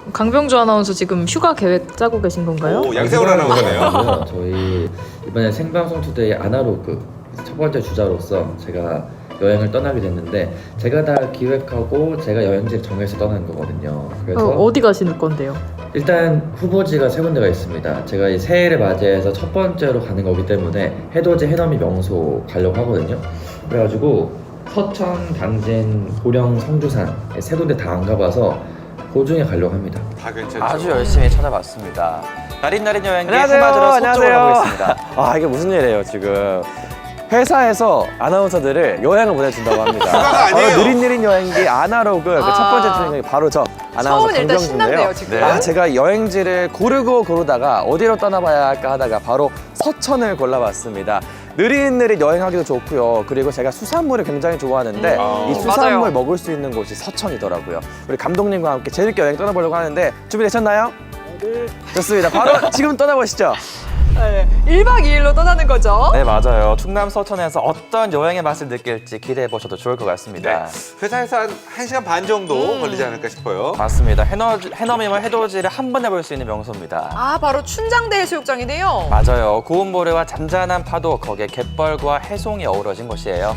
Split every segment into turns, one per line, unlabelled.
강병주 아나운서 지금 휴가 계획 짜고 계신 건가요?
오, 양세월 아나운서네요.
저희 이번에 생방송 투데이 아나로그 첫 번째 주자로서 제가 여행을 떠나게 됐는데 제가 다 기획하고 제가 여행지를 정해서 떠나는 거거든요. 그래서
어디 가시는 건데요?
일단 후보지가 세 군데가 있습니다. 제가 이 새해를 맞이해서 첫 번째로 가는 거기 때문에 해돋이 해넘이 명소 가려고 하거든요. 그래가지고 서천, 당진, 보령, 성주산 세 군데 다 안 가봐서 그 중에 가려고 합니다.
다 괜찮죠.
아주 열심히 찾아봤습니다. 나린나린 여행기
안녕하세요.
해마들어 서쪽으로
안녕하세요.
가고 있습니다.
아, 이게 무슨 일이에요 지금. 회사에서 아나운서들을 여행을 보내준다고 합니다.
휴가가 아니에요.
바로 느릿느릿 여행기 아나로그 그 첫 번째 출연이 바로 저 아나운서
처음은 일단 신난데요,
강병주인데요.
지금.
아, 제가 여행지를 고르다가 어디로 떠나봐야 할까 하다가 바로 서천을 골라봤습니다. 느릿느릿 여행하기도 좋고요. 그리고 제가 수산물을 굉장히 좋아하는데 이 수산물
맞아요.
먹을 수 있는 곳이 서천이더라고요. 우리 감독님과 함께 재밌게 여행 떠나보려고 하는데 준비되셨나요? 네. 좋습니다. 바로 지금 떠나보시죠.
네, 1박 2일로 떠나는 거죠.
네, 맞아요. 충남 서천에서 어떤 여행의 맛을 느낄지 기대해 보셔도 좋을 것 같습니다.
회사에서 한 1시간 반 정도 걸리지 않을까 싶어요.
맞습니다. 해넘이와 해돋이를 한 번에 볼 수 있는 명소입니다.
아, 바로 춘장대 해수욕장이네요.
맞아요. 고운 모래와 잔잔한 파도, 거기에 갯벌과 해송이 어우러진 곳이에요.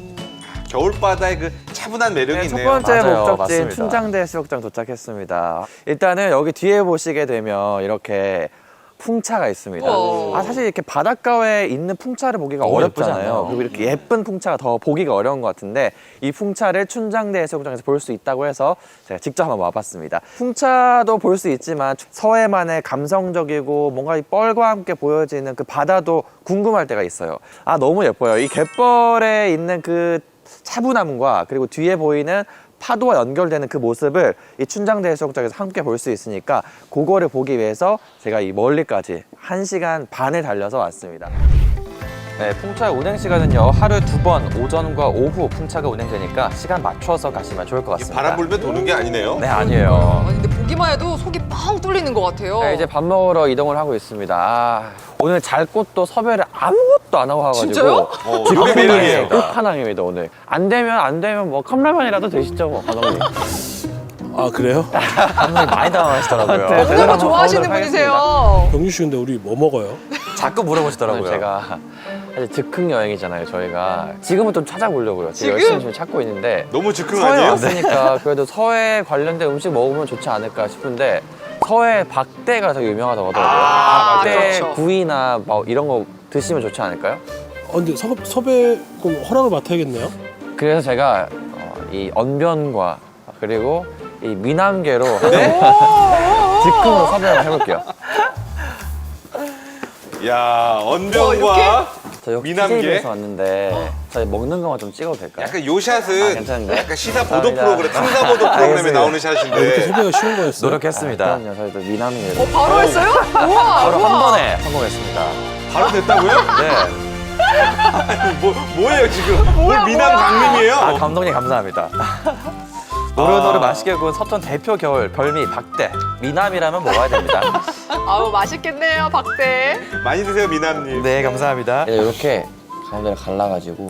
겨울바다의 그 차분한 매력이
네, 첫
있네요.
번째
맞아요.
목적지인
맞습니다.
춘장대 해수욕장 도착했습니다. 일단은 여기 뒤에 보시게 되면 이렇게 풍차가 있습니다.
우와.
사실 이렇게 바닷가에 있는 풍차를 보기가
너무 예쁘지
어렵잖아요.
않나요?
그리고 이렇게 예쁜 풍차가 더 보기가 어려운 것 같은데 이 풍차를 춘장대 해수욕장에서 볼 수 있다고 해서 제가 직접 한번 와봤습니다. 풍차도 볼 수 있지만 서해만의 감성적이고 뭔가 이 뻘과 함께 보여지는 그 바다도 궁금할 때가 있어요. 너무 예뻐요. 이 갯벌에 있는 그 차분함과 그리고 뒤에 보이는 파도와 연결되는 그 모습을 이 춘장대 해수욕장에서 함께 볼 수 있으니까 그거를 보기 위해서 제가 이 멀리까지 1시간 반을 달려서 왔습니다.
네, 풍차의 운행 시간은요. 하루에 2번, 오전과 오후 풍차가 운행되니까 시간 맞춰서 가시면 좋을 것 같습니다.
바람 불면 도는 게 아니네요.
네, 아니에요.
아니, 근데 보기만 해도 속이 뻥 뚫리는 것 같아요.
네, 이제 밥 먹으러 이동을 하고 있습니다. 오늘 잘 곳도 섭외를 아무것도 안 하고 와가지고
진짜요?
이게 매력이에요.
끝판왕입니다 오늘. 안 되면 뭐 컵라면이라도 드시죠 뭐 감독님.
아 그래요?
감독님 많이 당황하시더라고요.
네,
먹는 거
한번
좋아하시는
가보도록
분이세요.
병유 씨 근데 우리 뭐 먹어요?
자꾸 물어보시더라고요.
제가 사실 즉흥 여행이잖아요 저희가. 지금은 좀 찾아보려고요.
지금?
열심히 찾고 있는데
너무 즉흥
서해
아니에요?
왔으니까 그래도 서해 관련된 음식 먹으면 좋지 않을까 싶은데 서해 박대가 되게 유명하다고 하더라고요.
아,
박대
그렇죠.
구이나 뭐 이런 거 드시면 좋지 않을까요?
근데 섭외 그럼 허락을 맡아야겠네요.
그래서 제가 이 언변과 그리고 이 미남계로
네?
즉흥으로 섭외를 해볼게요.
야, 언변과
저 여기
미남계?
TJ에서 왔는데 저희 먹는 것만 좀 찍어도 될까요?
약간 요 샷은
괜찮은데?
약간 시사 보도
감사합니다.
프로그램, 탐사 보도 프로그램에
알겠습니다.
나오는
이렇게
샷인데
섭외가 쉬운 거였어요?
노력했습니다.
그럼요, 저희도 미남계로.
바로 했어요? 우와,
바로
우와.
한 번에 성공했습니다.
바로 됐다고요?
네.
뭐예요 지금? 뭘 미남 강림이에요?
감독님 감사합니다. 노릇노릇 맛있게 구운 서천 대표 겨울 별미 박대. 미남이라면 먹어야 됩니다.
아우, 맛있겠네요, 박대.
많이 드세요 미남님.
네, 감사합니다.
이렇게 가운데를 갈라가지고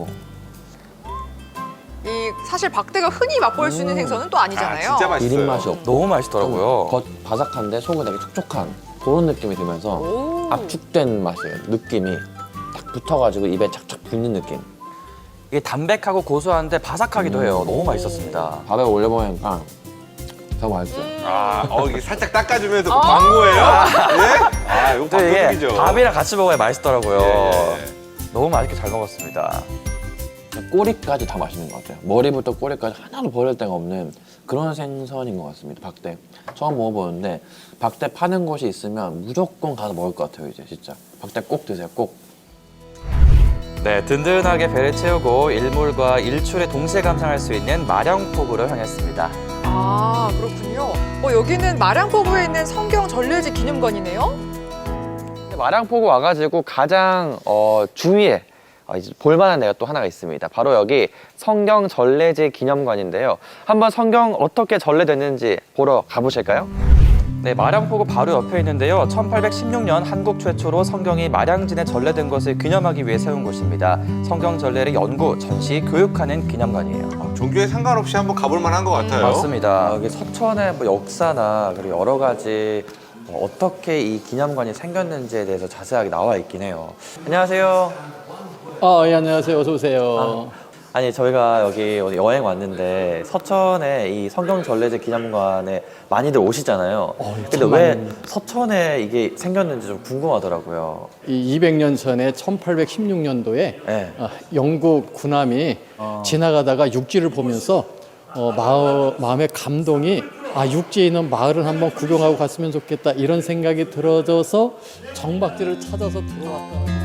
사실 박대가 흔히 맛볼 수 있는 생선은 또 아니잖아요.
진짜 맛있어요.
비린 맛이 없고
너무 맛있더라고요.
겉 바삭한데 속은 되게 촉촉한 그런 느낌이 들면서
오.
압축된 맛이에요. 느낌이 딱 붙어가지고 입에 착착 붙는 느낌.
이게 담백하고 고소한데 바삭하기도 해요. 너무 맛있었습니다.
밥에 올려먹으니까 더 맛있어요.
이게 살짝 닦아주면서 뭐 광고예요? 예? 이거
또 이게
광고적이죠.
밥이랑 같이 먹어야 맛있더라고요.
예.
너무 맛있게 잘 먹었습니다.
꼬리까지 다 맛있는 것 같아요. 머리부터 꼬리까지 하나도 버릴 데가 없는 그런 생선인 것 같습니다. 박대. 처음 먹어보는데 박대 파는 곳이 있으면 무조건 가서 먹을 것 같아요. 이제 진짜 박대 꼭 드세요. 꼭.
네, 든든하게 배를 채우고 일몰과 일출에 동시에 감상할 수 있는 마량폭으로 향했습니다.
아, 그렇군요. 여기는 마량포구에 있는 성경 전례지 기념관이네요.
마량포구 와가지고 가장 주위에 이제 볼만한 데가 또 하나가 있습니다. 바로 여기 성경 전래지 기념관인데요. 한번 성경 어떻게 전래됐는지 보러 가보실까요?
네, 마량포구 바로 옆에 있는데요. 1816년 한국 최초로 성경이 마량진에 전래된 것을 기념하기 위해 세운 곳입니다. 성경 전래를 연구, 전시, 교육하는 기념관이에요.
종교에 상관없이 한번 가볼 만한 것 같아요.
맞습니다. 여기 서천의 뭐 역사나 그리고 여러 가지 어떻게 이 기념관이 생겼는지에 대해서 자세하게 나와 있긴 해요. 안녕하세요.
예, 안녕하세요. 어서 오세요.
아니 저희가 여기 오늘 여행 왔는데 서천에 이 성경 전래제 기념관에 많이들 오시잖아요. 근데 왜 서천에 이게 생겼는지 좀 궁금하더라고요.
이 200년 전에 1816년도에
네.
영국 군함이 지나가다가 육지를 보면서 마음의 감동이 육지에 있는 마을을 한번 구경하고 갔으면 좋겠다 이런 생각이 들어져서 정박지를 찾아서 들어왔다.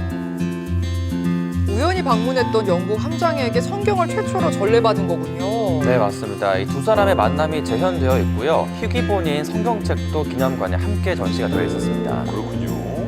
우연히 방문했던 영국 함장에게 성경을 최초로 전래받은 거군요.
네, 맞습니다. 이 두 사람의 만남이 재현되어 있고요. 희귀본인 성경책도 기념관에 함께 전시가 되어 있었습니다.
그렇군요.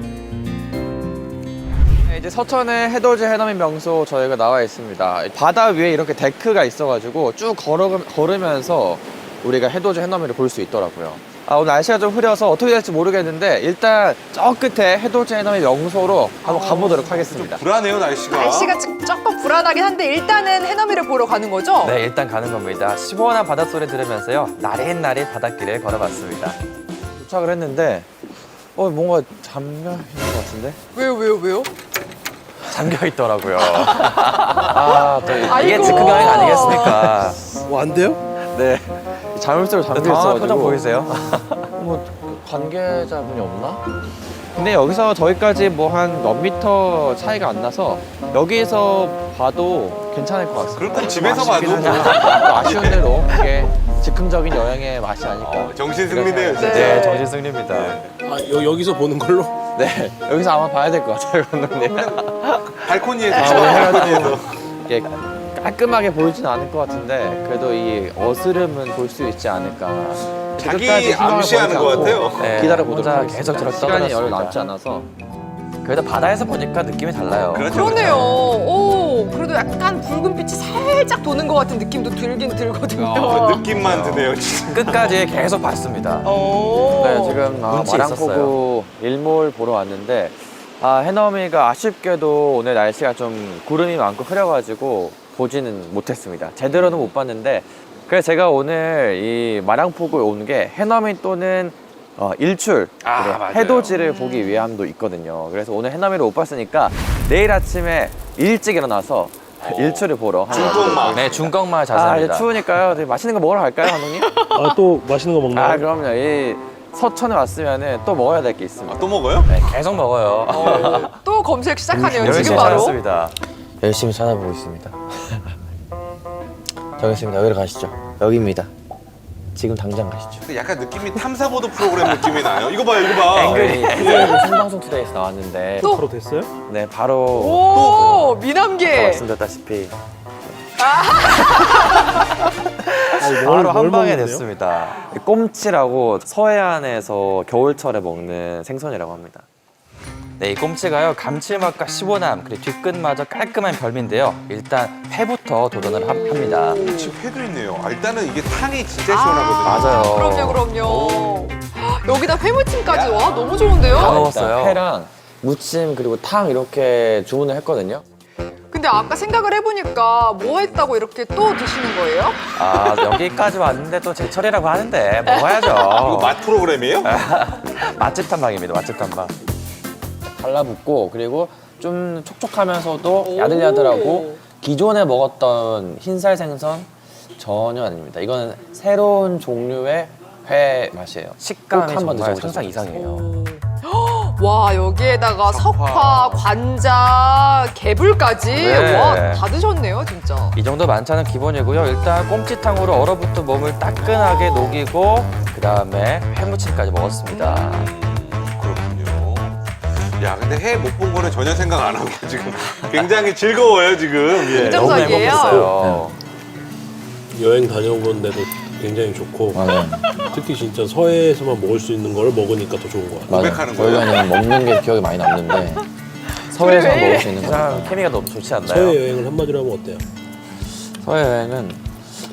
네, 이제 서천의 해돋이 해넘이 명소 저희가 나와 있습니다. 바다 위에 이렇게 데크가 있어가지고 쭉 걸으면서 우리가 해돋이 해넘이를 볼 수 있더라고요. 오늘 날씨가 좀 흐려서 어떻게 될지 모르겠는데 일단 저 끝에 해돋이 해넘이 명소로 한번 가보도록 하겠습니다.
불안해요, 날씨가.
날씨가 조금 불안하긴 한데 일단은 해넘이를 보러 가는 거죠?
네, 일단 가는 겁니다. 시원한 바닷소리 들으면서요. 나릿나릿 바닷길을 걸어봤습니다.
도착을 했는데 뭔가 잠겨 있는 것 같은데?
왜요?
잠겨 있더라고요. 또 이게
아이고.
즉흥 여행 아니겠습니까?
안 돼요?
네. 자물쇠로 잠겨
당황한
있어가지고.
표정 보이세요?
뭐 관계자분이 없나? 근데 여기서 저기까지 뭐 한 몇 미터 차이가 안 나서 여기서 봐도 괜찮을 것 같습니다.
그럴 거면 집에서
아쉽긴
봐도
하지만 또 아쉬운 대로 이게 즉흥적인 여행의 맛이 아닐까.
정신 승리네요, 진짜.
네, 정신 승리입니다.
여기서 보는 걸로?
네, 여기서 아마 봐야 될 것 같아요, 감독님.
발코니에서.
해가지고 이게 깔끔하게 보이진 않을 것 같은데 그래도 이 어스름은 볼 수 있지 않을까.
자기
끝까지 희망을
암시하는
버리지
것
않고
같아요.
네,
기다려보도록
혼자
하겠습니다.
계속 저렇게
시간이 얼마
떠들었습니다.
남지 않아서.
그래도 바다에서 보니까 느낌이 달라요.
그렇죠,
그러네요. 오, 그래도 약간 붉은 빛이 살짝 도는 것 같은 느낌도 들긴 들거든요.
느낌만 드네요, 진짜.
끝까지 계속 봤습니다.
오.
네, 지금
운치
마량포구 일몰 보러 왔는데 해넘이가 아쉽게도 오늘 날씨가 좀 구름이 많고 흐려가지고 보지는 못했습니다. 제대로는 못 봤는데 그래서 제가 오늘 이 마량포구에 온 게 해넘이 또는 일출, 그리고
맞아요.
해돋이를 보기 위함도 있거든요. 그래서 오늘 해넘이를 못 봤으니까 내일 아침에 일찍 일어나서 일출을 보러
중꺾마을.
네, 중꺾마을
이제
자세입니다.
추우니까요. 되게 맛있는 거 먹으러 갈까요, 감독님?
또 맛있는 거 먹나요?
그럼요. 이 서천에 왔으면은 또 먹어야 될 게 있습니다.
또 먹어요?
네, 계속 먹어요.
또 검색 시작하네요.
열심히
지금 바로.
찾았습니다.
열심히 찾아보고 있습니다. 저기 있습니다. 여기로 가시죠. 여기입니다. 지금 당장 가시죠.
근데 약간 느낌이 탐사보도 프로그램 느낌이 나요. 이거 봐요, 이거 봐.
앵글이 생방송 투데이에서 나왔는데
또?
바로 됐어요?
네 바로
오, 미남계.
말씀드렸다시피
바로 한 방에
먹는데요?
됐습니다.
꼼치라고 서해안에서 겨울철에 먹는 생선이라고 합니다.
네, 이 꼼치가요 감칠맛과 시원함 그리고 뒤끝마저 깔끔한 별미인데요. 일단 회부터 도전을 합니다.
지금 회도 있네요. 일단은 이게 탕이 진짜 시원하거든요.
맞아요.
그럼요. 여기다 회무침까지 와 너무 좋은데요?
다 먹었어요.
회랑 무침 그리고 탕 이렇게 주문을 했거든요.
근데 아까 생각을 해보니까 뭐 했다고 이렇게 또 드시는 거예요?
여기까지 왔는데 또 제철이라고 하는데
이거
먹어야죠.
맛 프로그램이에요?
맛집 탐방입니다. 맛집 탐방.
달라붙고 그리고 좀 촉촉하면서도 야들야들하고 기존에 먹었던 흰살 생선 전혀 아닙니다. 이거는 새로운 종류의 회 맛이에요.
식감이
꼭 한번
정말
드셔보셨으면
상상 이상이에요.
와 여기에다가 석화, 관자, 개불까지
네.
와 다 드셨네요 진짜.
이 정도 만찬은 기본이고요. 일단 꼼치탕으로 얼어붙은 몸을 따끈하게 녹이고 그 다음에 회무침까지 먹었습니다.
그렇군요. 야, 근데 회 못 본 거는 전혀 생각 안 하고 지금 굉장히 즐거워요, 지금. 예.
인정.
너무
정상이에요.
행복했어요.
여행 다녀본 데도 굉장히 좋고
맞아요.
특히 진짜 서해에서만 먹을 수 있는 걸 먹으니까 더 좋은 것 같아요.
고백하는 거예요?
저희가는 먹는 게 기억이 많이 남는데 서해에서
그래.
먹을 수 있는 거.
세상 케미가 너무 좋지 않나요?
서해 여행을 한마디로 하면 어때요?
서해 여행은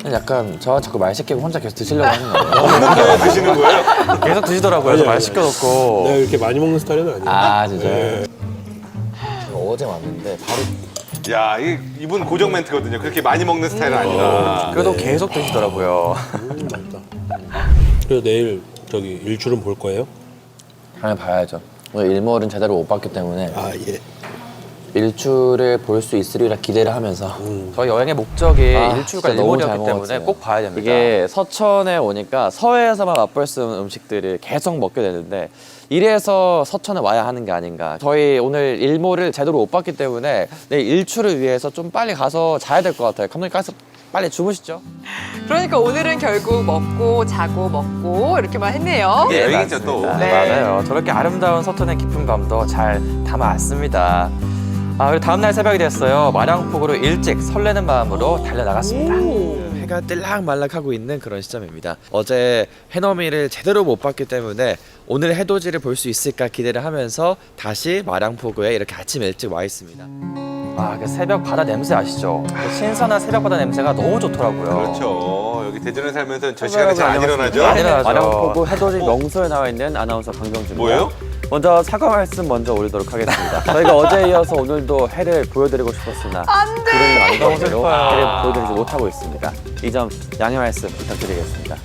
약간 저 자꾸 말 시키고 혼자 계속 드시려고 하는 거예요.
먹는데 드시는 거예요?
계속 드시더라고요. 저 말 시켜놓고.
내가 이렇게 많이 먹는 스타일은 아니에요.
아 진짜요?
네.
제가 어제 왔는데 바로
야, 이분 고정 멘트거든요. 그렇게 많이 먹는 스타일은 아니다.
그래도 계속 드시더라고요.
맛있다. 그래서 내일 저기 일출은 볼 거예요?
당연히 봐야죠. 오늘 일몰은 제대로 못 봤기 때문에
아 예.
일출을 볼 수 있으리라 기대를 하면서
저희 여행의 목적이 일출과
진짜 너무
일몰이었기
잘
때문에
먹었어요.
꼭 봐야 됩니다.
이게 서천에 오니까 서해에서만 맛볼 수 있는 음식들을 계속 먹게 되는데 이래서 서천에 와야 하는 게 아닌가. 저희 오늘 일몰을 제대로 못 봤기 때문에 내일 일출을 위해서 좀 빨리 가서 자야 될 것 같아요. 감독님 가서 빨리 주무시죠.
그러니까 오늘은 결국 먹고 자고 먹고 이렇게만 했네요.
예, 여행이죠 또.
네.
맞아요. 저렇게 아름다운 서천의 깊은 감도 잘 담아왔습니다. 그리고 다음날 새벽이 됐어요. 마량폭으로 일찍 설레는 마음으로 달려나갔습니다.
해가 뜰락말락하고 있는 그런 시점입니다. 어제 해넘이를 제대로 못 봤기 때문에 오늘 해돋이를 볼 수 있을까 기대를 하면서 다시 마량포구에 이렇게 아침 일찍 와 있습니다.
그 새벽 바다 냄새 아시죠? 그 신선한 새벽 바다 냄새가 너무 좋더라고요.
그렇죠. 여기 대전에 살면서 저 시간에 잘 안 일어나죠?
안 일어나죠.
마량포구 해돋이 명소에 나와 있는 아나운서 강경주입니다.
뭐예요?
먼저 사과 말씀 먼저 올리도록 하겠습니다. 저희가 어제에 이어서 오늘도 해를 보여드리고 싶었으나 구름이 많은 관계로 해를 보여드리지 못하고 있습니다. 이 점 양해 말씀 부탁드리겠습니다.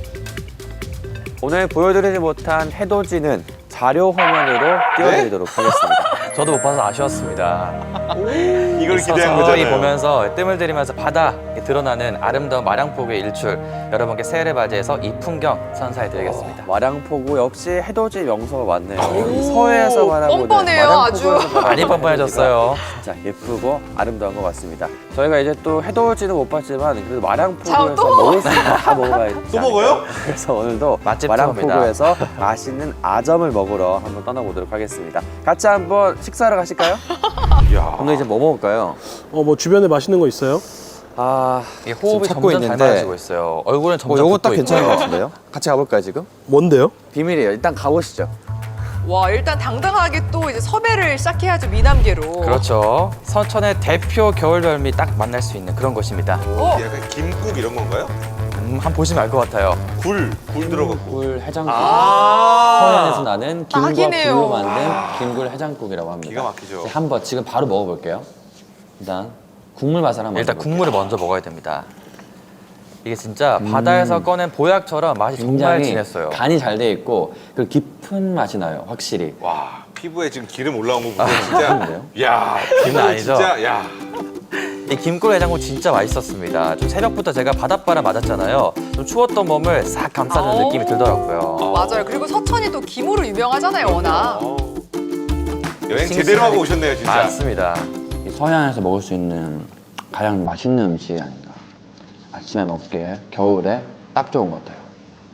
오늘 보여드리지 못한 해돋이는 자료 화면으로 띄워드리도록 하겠습니다.
저도 못 봐서 아쉬웠습니다.
이걸 기대한
서서히
거잖아요.
보면서 뜸을 들이면서 바다에 드러나는 아름다운 마량폭의 일출, 여러분께 새해를 맞이해서 이 풍경 선사해드리겠습니다.
마량포구 역시 해돋이 명소가 많네요. 여기 서해에서 바라보는
뻔뻔해요, 아주.
많이 뻔뻔해졌어요.
진짜 예쁘고 아름다운 것 같습니다. 저희가 이제 또 해돋이는 못 봤지만 그래도
자,
마량포구에서
또
먹을 수 있는 거 다 먹어야지.
또 먹어요?
그래서 오늘도
맛집
마량포구에서 맛있는 아점을 먹으러 한번 떠나보도록 하겠습니다. 같이 한번 식사하러 가실까요?
야,
오늘 이제 뭐 먹을까요?
뭐 주변에 맛있는 거 있어요?
이게 호흡이
지금 찾고
점점
있는데
닮아지고 있어요. 얼굴은 점점
요거 딱
붓고
괜찮은 것
있고요.
같은데요? 같이 가볼까요 지금?
뭔데요?
비밀이에요. 일단 가보시죠.
와, 일단 당당하게 또 이제 섭외를 시작해야죠, 미남계로.
그렇죠. 서천의 대표 겨울별미 딱 만날 수 있는 그런 곳입니다.
약간 김국 이런 건가요?
한번 보시면 알 것 같아요.
굴 들어갔고.
굴 해장국.
아,
서해안에서 나는 김과
딱이네요.
굴로 만든 김굴 해장국이라고 합니다.
기가 막히죠.
이제 한번 지금 바로 먹어볼게요. 일단 국물 맛을 한번
일단
먹어볼게요.
국물을 먼저 먹어야 됩니다. 이게 진짜 바다에서 꺼낸 보약처럼 맛이 정말
굉장히
진했어요.
간이 잘 돼 있고 그 깊은 맛이 나요, 확실히.
와, 피부에 지금 기름 올라온 거 보면 진짜.
그런데요?
야,
기분 아니죠?
진짜, 야.
이 김꿀 해장국 진짜 맛있었습니다. 좀 새벽부터 제가 바닷바람 맞았잖아요. 좀 추웠던 몸을 싹 감싸주는
아오.
느낌이 들더라고요.
맞아요. 그리고 서천이 또 김으로 유명하잖아요, 워낙.
여행 제대로 하고 오셨네요, 진짜.
맞습니다.
이 서해안에서 먹을 수 있는 가장 맛있는 음식이 아닌가. 아침에 먹기에 겨울에 딱 좋은 것 같아요.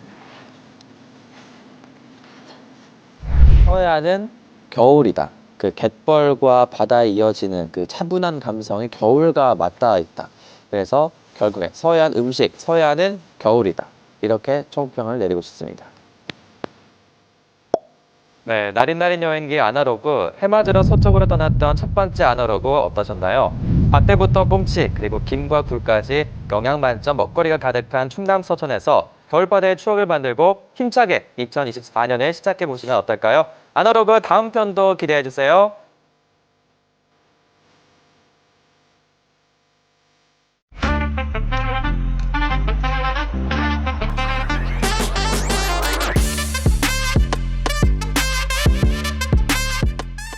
서해안은 겨울이다. 그 갯벌과 바다에 이어지는 그 차분한 감성이 겨울과 맞닿아 있다. 그래서 결국에 서해안 음식, 서해안은 겨울이다. 이렇게 총평을 내리고 싶습니다.
네, 나린나린 여행기 아나로그 해 맞으러 서쪽으로 떠났던 첫 번째 아나로그 어떠셨나요? 밭대부터 뽕치 그리고 김과 굴까지 영양 만점 먹거리가 가득한 충남 서천에서 겨울바다의 추억을 만들고 힘차게 2024년을 시작해 보시면 어떨까요? 아나로그 다음 편도 기대해 주세요.